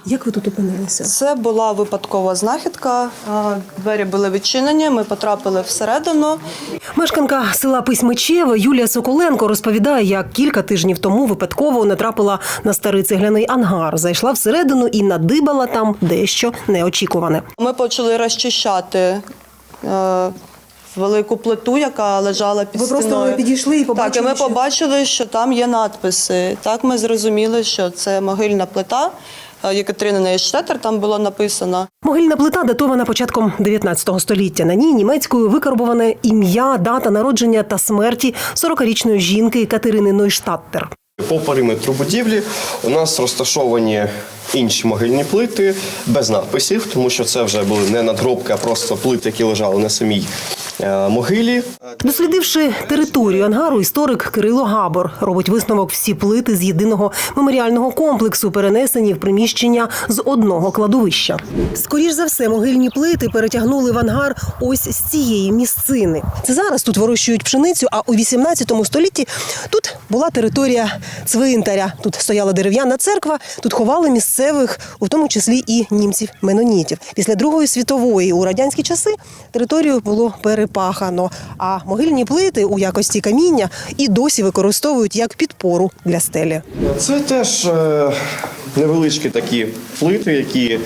Як ви тут опинилися? Це була випадкова знахідка. Двері були відчинені, ми потрапили всередину. Мешканка села Письмичеве Юлія Соколенко розповідає, як кілька тижнів тому випадково натрапила на старий цегляний ангар. Зайшла всередину і надибала там дещо неочікуване. Ми почали розчищати велику плиту, яка лежала під стіною. Ви просто підійшли і побачили? Так, і ми побачили, що там є надписи. Так ми зрозуміли, що це могильна плита. Єкатерини Нейштеттер там було написано. Могильна плита датована початком 19 століття. На ній німецькою викарбоване ім'я, дата народження та смерті 40-річної жінки Катерини Нойштаттер. По периметру будівлі у нас розташовані інші могильні плити без надписів, тому що це вже були не надгробки, а просто плити, які лежали на самій могилі. Дослідивши територію ангару, історик Кирило Габор робить висновок: всі плити з єдиного меморіального комплексу перенесені в приміщення з одного кладовища. Скоріш за все, могильні плити перетягнули в ангар ось з цієї місцини. Це зараз тут вирощують пшеницю, а у 18 столітті тут була територія цвинтаря. Тут стояла дерев'яна церква, тут ховали місцевих, у тому числі і німців-менонітів. Після Другої світової у радянські часи територію було перепахано, а могильні плити у якості каміння і досі використовують як підпору для стелі. Це теж невеличкі такі плити, які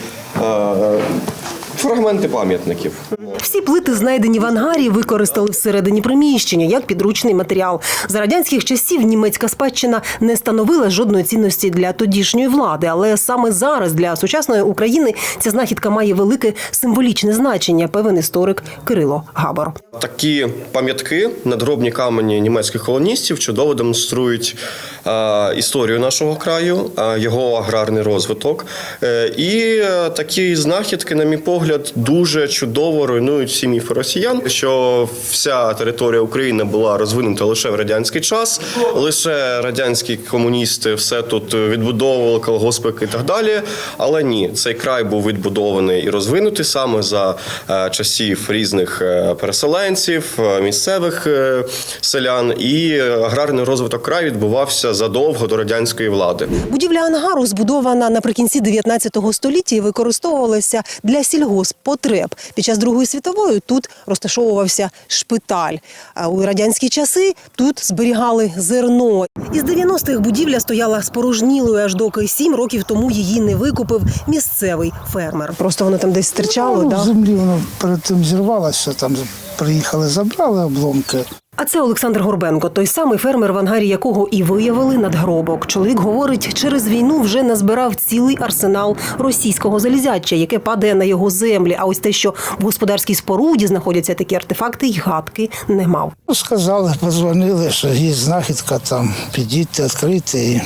фрагменти пам'ятників. Всі плити, знайдені в ангарі, використали всередині приміщення як підручний матеріал. За радянських часів німецька спадщина не становила жодної цінності для тодішньої влади, але саме зараз для сучасної України ця знахідка має велике символічне значення, певен історик Кирило Габор. Такі пам'ятки, надгробні камені німецьких колоністів чудово демонструють історію нашого краю, його аграрний розвиток. І такі знахідки, на мій погляд, дуже чудово руйнують всі міфи росіян, що вся територія України була розвинута лише в радянський час, лише радянські комуністи все тут відбудовували, колгоспики і так далі. Але ні, цей край був відбудований і розвинутий саме за часів різних переселенців, місцевих селян, і аграрний розвиток краю відбувався задовго до радянської влади. Будівля ангару збудована наприкінці 19 століття і використовувалася для сільгосппотреб. Під час Другої світової тут розташовувався шпиталь. А у радянські часи тут зберігали зерно. Із 90-х будівля стояла спорожнілою, аж доки 7 років тому її не викупив місцевий фермер. Просто воно там десь стирчало, В да? землі воно перед тим зірвалося, там приїхали, забрали обломки. А це Олександр Горбенко, той самий фермер, в ангарі якого і виявили надгробок. Чоловік говорить, через війну вже назбирав цілий арсенал російського залізяча, яке падає на його землі. А ось те, що в господарській споруді знаходяться такі артефакти, й гадки не мав. Сказали, подзвонили, що є знахідка, там підійти, відкрити. І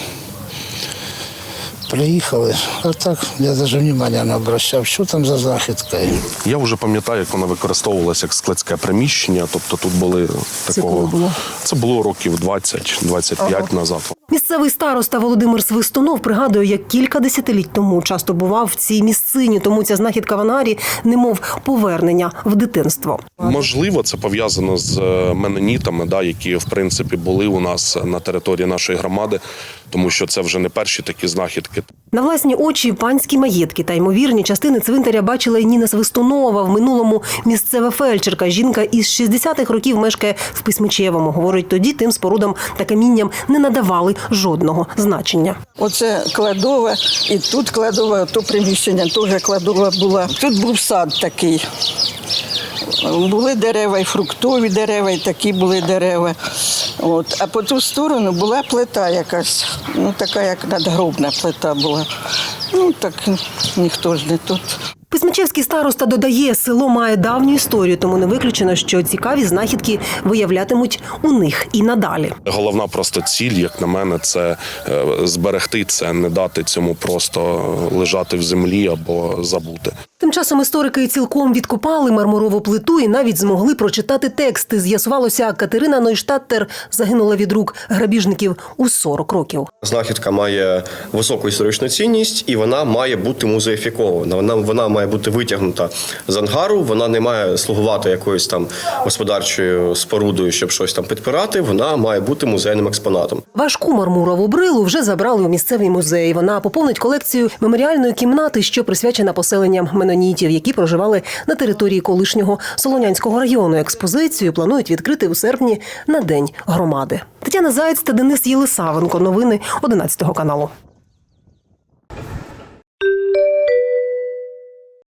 приїхали. А так я навіть уваги не обращав, що там за знахідка. Я вже пам'ятаю, як вона використовувалася як складське приміщення, тобто тут були такого... Це було років 20-25 назад. Місцевий староста Володимир Свистунов пригадує, як кілька десятиліть тому часто бував в цій місцині, тому ця знахідка в ангарі немов повернення в дитинство. Можливо, це пов'язано з менонітами, які, в принципі, були у нас на території нашої громади, тому що це вже не перші такі знахідки. На власні очі панські маєтки та ймовірні частини цвинтаря бачила і Ніна Свистунова, в минулому місцева фельдшерка. Жінка із 60-х років мешкає в Письмичевому. Говорить, тоді тим спорудам та камінням не надавали жодного значення. Оце кладова, і тут кладова, то приміщення теж кладова була. Тут був сад такий. Були дерева, і фруктові дерева, і такі були дерева. А по ту сторону була плита якась, така як надгробна плита була. Так ніхто ж не тут. Письмичевський староста додає, село має давню історію, тому не виключено, що цікаві знахідки виявлятимуть у них і надалі. Головна просто ціль, як на мене, це зберегти це, не дати цьому просто лежати в землі або забути. Тим часом історики цілком відкопали мармурову плиту і навіть змогли прочитати тексти. З'ясувалося, Катерина Нойштаттер загинула від рук грабіжників у 40 років. Знахідка має високу історичну цінність і вона має бути музеїфікована. Вона має має бути витягнута з ангару, вона не має слугувати якоюсь там господарчою спорудою, щоб щось там підпирати, вона має бути музейним експонатом. Важку мармурову брилу вже забрали у місцевий музей. Вона поповнить колекцію меморіальної кімнати, що присвячена поселенням менонітів, які проживали на території колишнього Солонянського району. Експозицію планують відкрити у серпні на День громади. Тетяна Заєць та Денис Єлисавенко. Новини 11 каналу.